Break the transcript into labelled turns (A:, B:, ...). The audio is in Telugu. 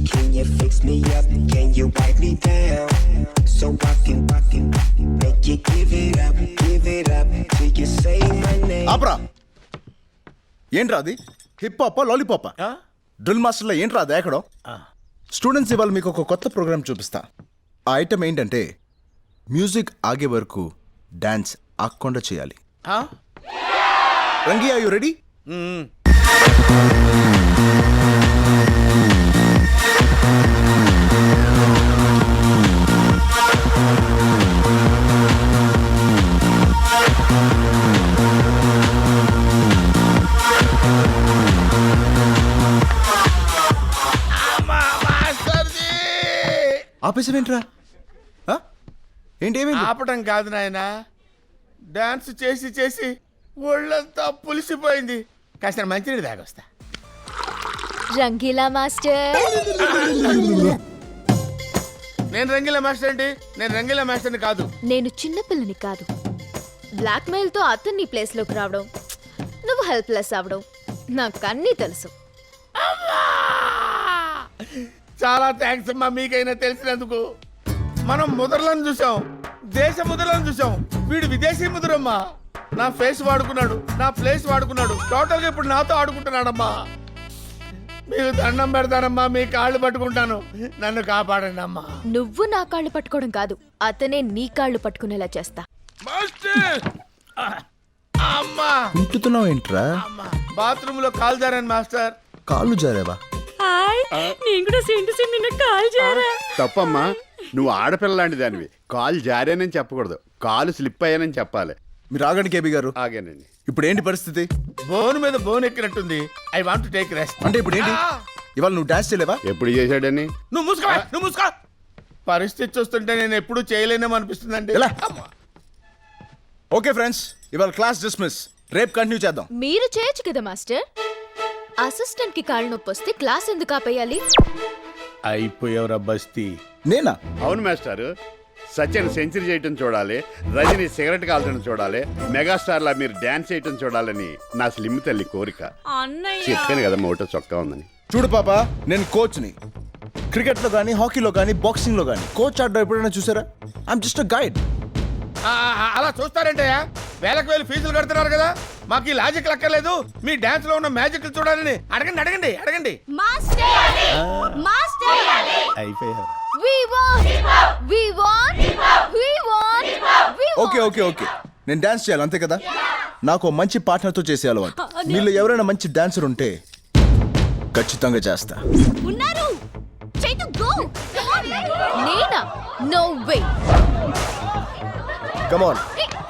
A: Can you fix me up? Can you wipe me down? So I can make you give it up till you say my name.
B: ఆపరా. ఏంట్రా అది? Hip hop lollipop? డ్రిల్ మాస్టర్లో ఏంట్రా అది ఎక్కడో? స్టూడెంట్స్ ఇవాళ మీకు ఒక కొత్త ప్రోగ్రామ్ చూపిస్తా. ఆ ఐటమ్ ఏంటంటే మ్యూజిక్ ఆగే వరకు డాన్స్ ఆగకుండా చేయాలి. Rangi, are you ready? ఆపేసావేంట్రా? ఏంటి ఏమైంది?
C: ఆపటం కాదు నాయన, డాన్స్ చేసి చేసి ఒళ్ళంతా పులిసిపోయింది. కాస్త మంచినీళ్ళు తాగొస్తా.
D: రంగీలా మాస్టర్.
C: నేను రంగీలా మాస్టర్ ఏంటి? నేను రంగీలా మాస్టర్ని కాదు.
D: నేను చిన్నపిల్లని కాదు. బ్లాక్ మెయిల్ తో అతన్ని ప్లేస్ లోకి రావడం, నువ్వు హెల్ప్లెస్ అవడం నాకు అన్నీ తెలుసు.
C: చాలా థ్యాంక్స్ అమ్మా, మీకైనా తెలిసినందుకు. మనం ముద్రలను చూసాం, దేశ ముద్రలను చూసాం, వీడు విదేశీ ముద్రమ్మా. నా ఫేస్ వాడుకున్నాడు, నా ప్లేస్ వాడుకున్నాడు, టోటల్ గా ఇప్పుడు నాతో ఆడుకుంటున్నాడమ్మా. మీకు దండం పెడతానమ్మా, మీ కాళ్ళు పట్టుకుంటాను, నన్ను కాపాడండి అమ్మా.
D: నువ్వు నా కాళ్ళు పట్టుకోవడం కాదు, అతనే నీ కాళ్ళు పట్టుకునేలా చేస్తా.
C: అమ్మా
B: ఉంటున్నావు ఏంట్రా?
C: బాత్రూమ్ లో కాలు జారాను మాస్టర్.
B: కాళ్ళు జారేవా?
E: తప్పమ్మా, నువ్వు ఆడపిల్ల లాంటి దానివి. కాలు జారానని చెప్పకూడదు, కాలు స్లిప్ అయ్యానని చెప్పాలి.
B: మీరు ఆగండి కేబీ గారు.
E: ఆగానండి.
B: ఇప్పుడు ఏంటి పరిస్థితి?
C: బోన్ మీద బోన్ ఎక్కినట్టుంది. I want to take rest.
B: అంటే ఇప్పుడు ఏంటి? ఇవాళ నువ్వు డాన్స్ చేయలేవా?
E: ఎప్పుడు చేశాడని?
C: నువ్వు మూసుకో. పరిస్థితి చూస్తుంటే నేను ఎప్పుడు చేయలేనేమో అనిపిస్తుందండి.
B: ఓకే ఫ్రెండ్స్, ఇవాళ క్లాస్ డిస్మిస్. రేపు కంటిన్యూ చేద్దాం.
D: మీరు చేయొచ్చు కదా మాస్టర్. అసిస్టెంట్ కి కాళ్ళు నొప్పి వస్తే క్లాస్ ఎందుకు ఆపేయాలి?
C: అయిపోయావురా బస్తీ.
B: నేనా?
E: అవును మాస్టారు. సచిన్ సెంచరీ చేయటం చూడాలి, రజని సిగరెట్ కాల్చడం చూడాలి, మెగాస్టార్ లా మీరు డాన్స్ చేయటం చూడాలని నా స్లిమ్ తల్లి కోరిక. చెప్పాను కదా మోటో చొక్కా ఉందని.
B: చూడు పాప, నేను కోచ్ని. క్రికెట్ లో కానీ, హాకీలో కానీ, బాక్సింగ్ లో కానీ కోచ్ ఆడడం ఎప్పుడైనా చూసారా? I'm just a guide.
C: అలా చూస్తారంటే వేలకు వేలు ఫీజులు కడుతున్నారు కదా, మాకు ఈ లాజిక్ లక్కర్లేదు. మీ డాన్స్ లో ఉన్న మ్యాజిక్ చూడాలని అడగండి.
B: ఓకే, నేను డాన్స్ చేయాలి అంతే కదా. నాకు మంచి పార్ట్నర్ తో చేసే అలవాటు. మీలో ఎవరైనా మంచి డాన్సర్ ఉంటే ఖచ్చితంగా చేస్తా.
D: నేనా? No way.
B: Come on.